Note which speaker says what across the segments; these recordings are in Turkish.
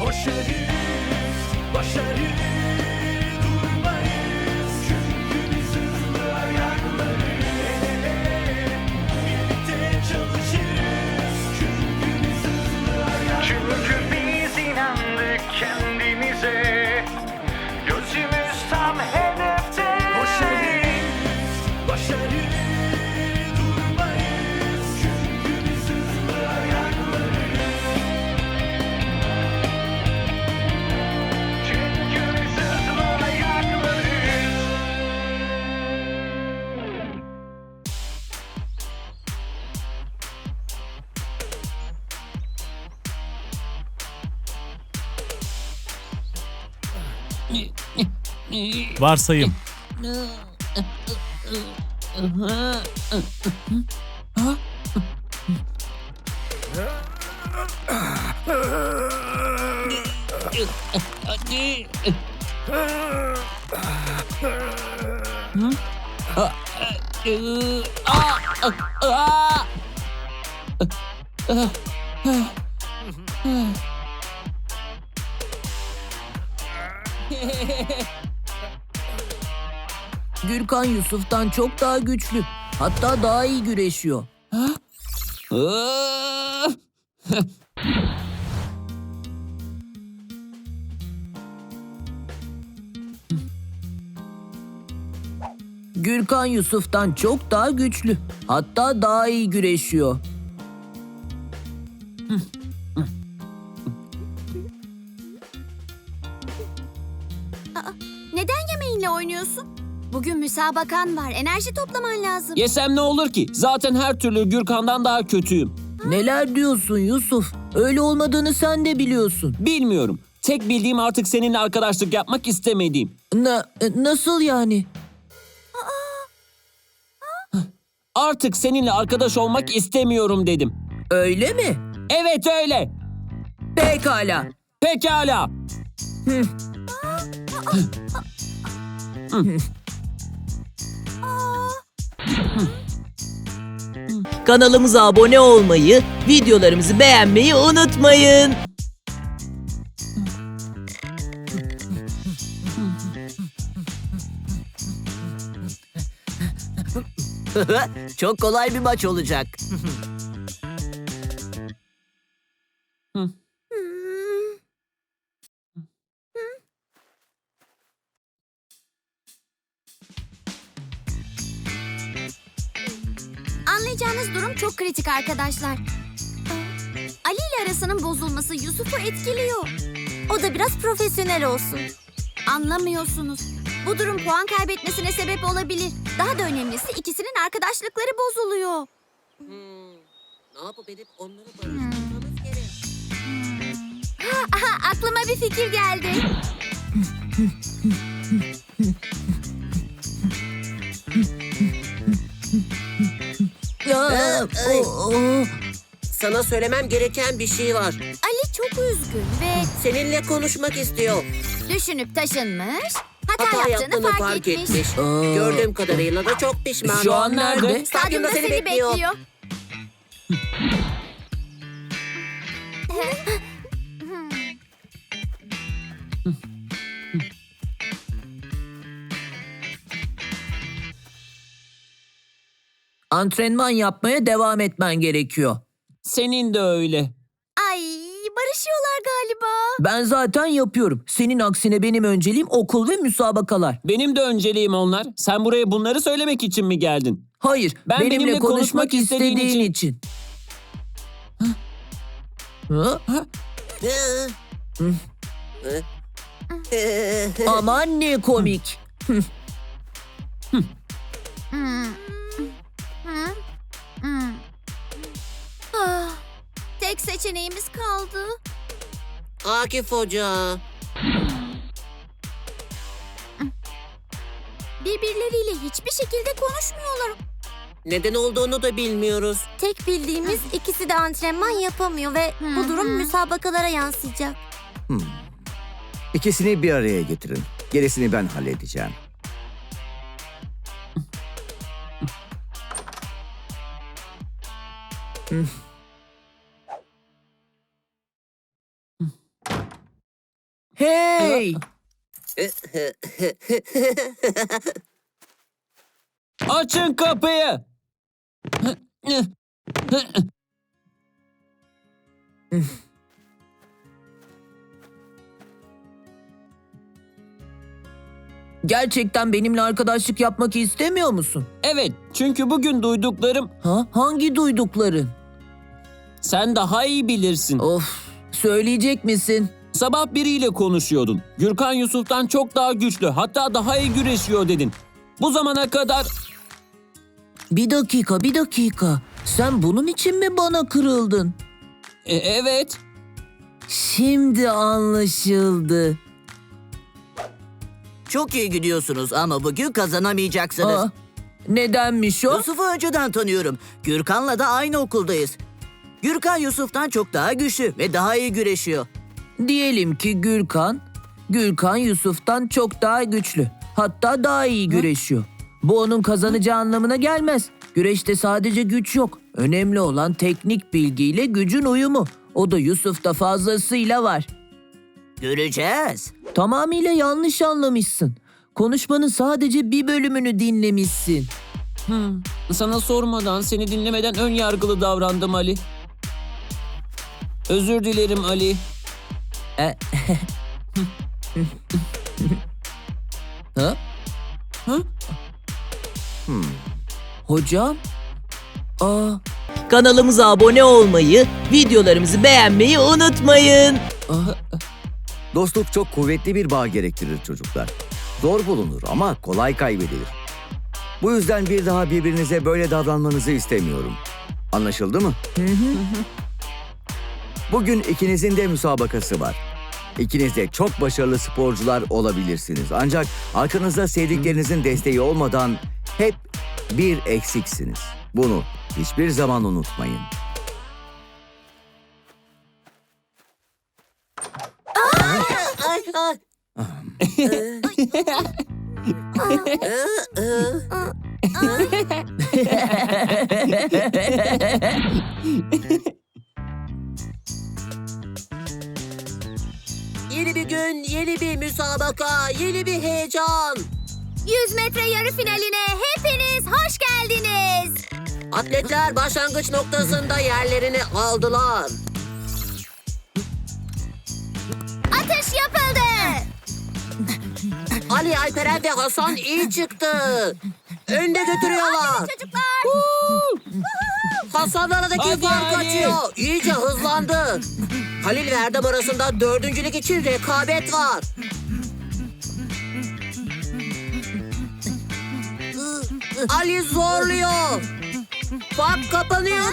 Speaker 1: Koşarız, başarı durmayız. Çünkü biz hızlı ayaklarız. El ele, birlikte çalışırız. Çünkü biz hızlı ayaklarız. Çünkü biz inandık kendimize. Gözümüz tam hedefte. Koşarız, başarı durmayız. Çünkü biz hızlı ayaklarız. Çünkü biz hızlı ayaklarız.
Speaker 2: Varsayım.
Speaker 3: Hadi.
Speaker 4: Gürkan Yusuf'tan çok daha güçlü. Hatta daha iyi güreşiyor. Gürkan Yusuf'tan çok daha güçlü. Hatta daha iyi güreşiyor.
Speaker 5: Neden yemeğinle oynuyorsun? Bugün müsabakan var. Enerji toplaman lazım.
Speaker 3: Yesem ne olur ki? Zaten her türlü Gürkan'dan daha kötüyüm.
Speaker 4: Neler diyorsun Yusuf? Öyle olmadığını sen de biliyorsun.
Speaker 3: Bilmiyorum. Tek bildiğim artık seninle arkadaşlık yapmak istemediğim.
Speaker 4: Nasıl yani?
Speaker 3: Artık seninle arkadaş olmak istemiyorum dedim.
Speaker 4: Öyle mi?
Speaker 3: Evet öyle.
Speaker 4: Pekala.
Speaker 3: Pekala.
Speaker 4: Kanalımıza abone olmayı, videolarımızı beğenmeyi unutmayın. Çok kolay bir maç olacak.
Speaker 5: Anlayacağınız durum çok kritik arkadaşlar. Ali ile arasının bozulması Yusuf'u etkiliyor. O da biraz profesyonel olsun. Anlamıyorsunuz. Bu durum puan kaybetmesine sebep olabilir. Daha da önemlisi ikisinin arkadaşlıkları bozuluyor.
Speaker 4: Ne yapıp edip onları barıştırmamız gerek.
Speaker 5: Aha, aklıma bir fikir geldi.
Speaker 6: Sana söylemem gereken bir şey var.
Speaker 5: Ali çok üzgün ve
Speaker 6: Seninle konuşmak istiyor.
Speaker 5: düşünüp taşınmış, hata
Speaker 6: Hata
Speaker 5: yaptığını
Speaker 6: yaptığını
Speaker 5: fark etmiş.
Speaker 6: Gördüğüm kadarıyla da çok pişman.
Speaker 4: Şu an nerede?
Speaker 5: Stadyumda seni bekliyor.
Speaker 4: Antrenman yapmaya devam etmen gerekiyor.
Speaker 3: Senin de öyle.
Speaker 5: Ay, barışıyorlar galiba.
Speaker 4: Ben zaten yapıyorum. Senin aksine benim önceliğim okul ve müsabakalar.
Speaker 3: Benim de önceliğim onlar. Sen buraya bunları söylemek için mi geldin?
Speaker 4: Hayır,
Speaker 3: Ben
Speaker 4: benimle konuşmak istediğin için. Hı? Aman ne komik.
Speaker 5: Ah, tek seçeneğimiz kaldı.
Speaker 6: Akif Hoca.
Speaker 5: Birbirleriyle hiçbir şekilde konuşmuyorlar.
Speaker 6: Neden olduğunu da bilmiyoruz.
Speaker 5: Tek bildiğimiz ikisi de antrenman yapamıyor ve bu durum müsabakalara yansıyacak.
Speaker 7: İkisini bir araya getirin. Gerisini ben halledeceğim.
Speaker 4: Hey!
Speaker 3: Açın kapıyı.
Speaker 4: Gerçekten benimle arkadaşlık yapmak istemiyor musun?
Speaker 3: Evet, çünkü bugün duyduklarım
Speaker 4: Ha? Hangi duydukların?
Speaker 3: sen daha iyi bilirsin.
Speaker 4: Of, söyleyecek misin?
Speaker 3: Sabah biriyle konuşuyordun. Gürkan Yusuf'tan çok daha güçlü, hatta daha iyi güreşiyor dedin. Bu zamana kadar
Speaker 4: Bir dakika. Sen bunun için mi bana kırıldın?
Speaker 3: evet.
Speaker 4: Şimdi anlaşıldı.
Speaker 8: Çok iyi gidiyorsunuz ama bugün kazanamayacaksınız.
Speaker 4: Aa, nedenmiş o?
Speaker 8: Yusuf'u önceden tanıyorum. Gürkan'la da aynı okuldayız. Gürkan Yusuf'tan çok daha güçlü ve daha iyi güreşiyor.
Speaker 4: Diyelim ki Gürkan Yusuf'tan çok daha güçlü. Hatta daha iyi güreşiyor. Bu onun kazanacağı anlamına gelmez. Güreşte sadece güç yok. Önemli olan teknik bilgiyle gücün uyumu. O da Yusuf'ta fazlasıyla var.
Speaker 8: Göreceğiz.
Speaker 4: Tamamıyla yanlış anlamışsın. Konuşmanın sadece bir bölümünü dinlemişsin.
Speaker 3: Sana sormadan, seni dinlemeden ön yargılı davrandım Ali. Özür dilerim Ali.
Speaker 4: Ha?
Speaker 3: Ha?
Speaker 4: Hocam? Aa,
Speaker 9: Kanalımıza abone olmayı, videolarımızı beğenmeyi unutmayın.
Speaker 7: Dostluk çok kuvvetli bir bağ gerektirir çocuklar. Zor bulunur ama kolay kaybedilir. Bu yüzden bir daha birbirinize böyle davranmanızı istemiyorum. Anlaşıldı mı? Bugün ikinizin de müsabakası var. İkiniz de çok başarılı sporcular olabilirsiniz. Ancak arkanızda sevdiklerinizin desteği olmadan hep bir eksiksiniz. Bunu hiçbir zaman unutmayın.
Speaker 6: Ay, ay. Yeni bir gün, yeni bir müsabaka, yeni bir heyecan.
Speaker 5: 100 metre yarı finaline hepiniz hoş geldiniz.
Speaker 6: Atletler başlangıç noktasında yerlerini aldılar.
Speaker 5: Atış yapıldı.
Speaker 6: Ali, Alperen ve Hasan iyi çıktı. Önde götürüyorlar.
Speaker 5: Çocuklar.
Speaker 6: Hasan'la aradaki
Speaker 3: Hadi
Speaker 6: fark
Speaker 3: Ali.
Speaker 6: açıyor. İyice hızlandı. Halil ve Erdem arasında dördüncülük için rekabet var. Ali zorluyor. Fark kapanıyor.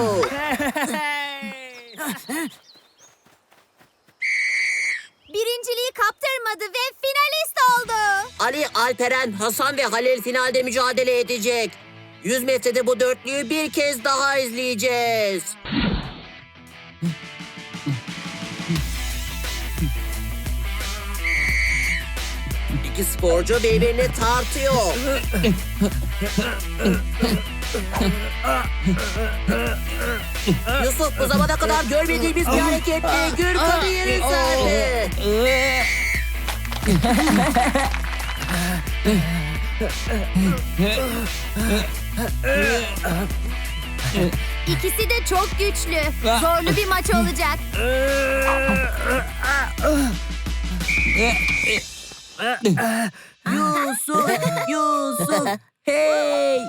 Speaker 5: Birinciliği kaptırmadı ve finalist oldu.
Speaker 6: Ali, Alperen, Hasan ve Halil finalde mücadele edecek. 100 metrede bu dörtlüyü bir kez daha izleyeceğiz. İki sporcu birbirini tartıyor. Yusuf bu zamana kadar görmediğimiz bir hareketle Gürkan'ı yere serdi.
Speaker 5: İkisi de çok güçlü. Zorlu bir maç olacak.
Speaker 4: Yusuf, hey!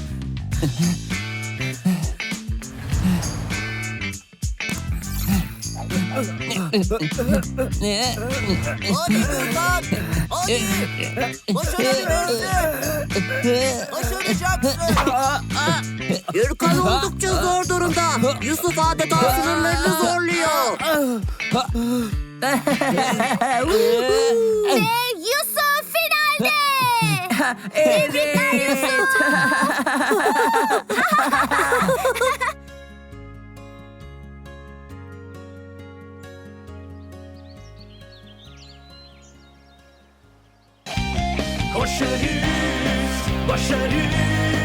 Speaker 8: Hadi Gürkan! Hadi! Başarabilirsin! Başaracaksın!
Speaker 6: Gürkan oldukça zor durumda. Yusuf adeta sınırlarını zorluyor.
Speaker 5: Ve Yusuf finalde. Tebrikler Yusuf.
Speaker 1: Koşarız, başarız